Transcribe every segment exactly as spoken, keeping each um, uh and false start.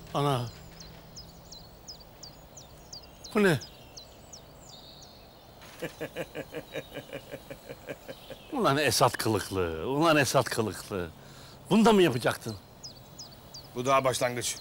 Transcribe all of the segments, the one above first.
Ana. Bu ne? Ulan Esat kılıklı, ulan Esat kılıklı. Bunu da mı yapacaktın? Bu daha başlangıç.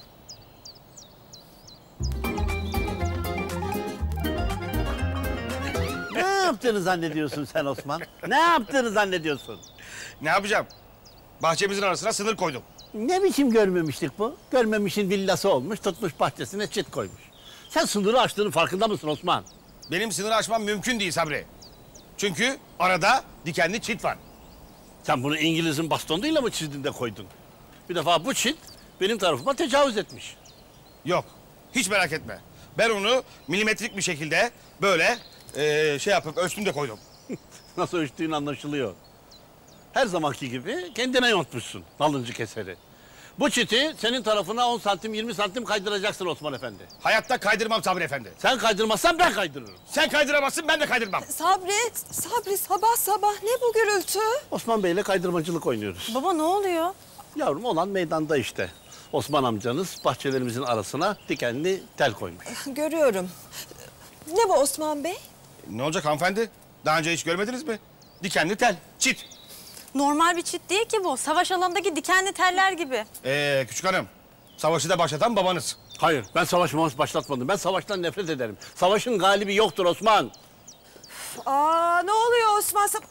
Ne yaptığını zannediyorsun sen Osman? Ne yaptığını zannediyorsun? Ne yapacağım? Bahçemizin arasına sınır koydum. Ne biçim görmemişlik bu? Görmemişin villası olmuş, tutmuş bahçesine çit koymuş. Sen sınırı aştığının farkında mısın Osman? Benim sınırı aşmam mümkün değil Sabri. Çünkü arada dikenli çit var. Sen bunu İngiliz'in bastonuyla mı çizdin de koydun? Bir defa bu çit benim tarafıma tecavüz etmiş. Yok, hiç merak etme. Ben onu milimetrik bir şekilde böyle eee, şey yapıp ölçtüm de koydum. Nasıl ölçtüğün anlaşılıyor. Her zamanki gibi kendine yontmuşsun nalıncı keseri. Bu çiti senin tarafına on santim, yirmi santim kaydıracaksın Osman Efendi. Hayatta kaydırmam Sabri Efendi. Sen kaydırmazsan ben kaydırırım. Sen kaydıramazsın, ben de kaydırmam. Sabri, Sabri sabah sabah ne bu gürültü? Osman Bey'le kaydırmacılık oynuyoruz. Baba ne oluyor? Yavrum olan meydanda işte. Osman amcanız bahçelerimizin arasına dikenli tel koymuş. Görüyorum. Ne bu Osman Bey? Ne olacak hanımefendi? Daha önce hiç görmediniz mi? Dikenli tel, çit. Normal bir çit değil ki bu. Savaş alanındaki dikenli teller gibi. Ee, küçük hanım, savaşı da başlatan babanız. Hayır, ben savaş mavaş başlatmadım. Ben savaştan nefret ederim. Savaşın galibi yoktur Osman. Aa ne oluyor Osman? Sab-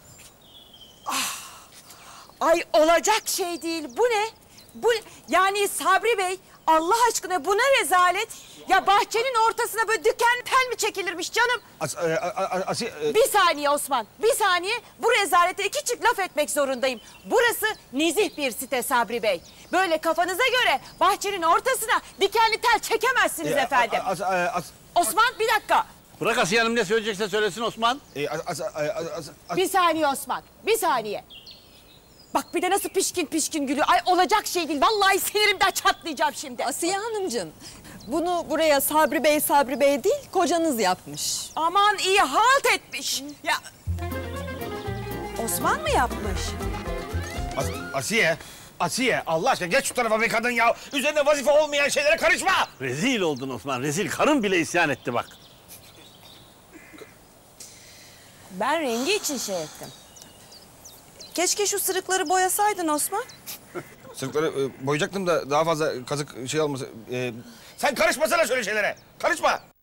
Ah! Ay olacak şey değil. Bu ne? Bu yani Sabri Bey Allah aşkına bu ne rezalet? Ya bahçenin ortasına böyle diken tel mi çekilirmiş canım? As, e, a, a, asi, e, Bir saniye Osman, bir saniye. Bu rezalete iki çift laf etmek zorundayım. Burası nezih bir site Sabri Bey. Böyle kafanıza göre bahçenin ortasına dikenli tel çekemezsiniz e, efendim. a- as, e, as, Osman bir dakika. Bırak Asiye Hanım ne söyleyecekse söylesin Osman. e, as, as, as, as, as, Bir saniye Osman, bir saniye. Bak bir de nasıl pişkin pişkin gülüyor. Ay olacak şey değil. Vallahi sinirimden çatlayacağım şimdi. Asiye Hanımcığım, bunu buraya Sabri Bey, Sabri Bey değil, kocanız yapmış. Aman iyi halt etmiş. Ya Osman mı yapmış? as, Asiye, Asiye Allah aşkına geç şu tarafa be kadın ya. Üzerine vazife olmayan şeylere karışma. Rezil oldun Osman, rezil. Karın bile isyan etti bak. Ben rengi için şey ettim. Keşke şu sırıkları boyasaydın Osman. Sırıkları e, boyayacaktım da daha fazla kazık şey olmasın. E, sen karışmasana şöyle şeylere. Karışma.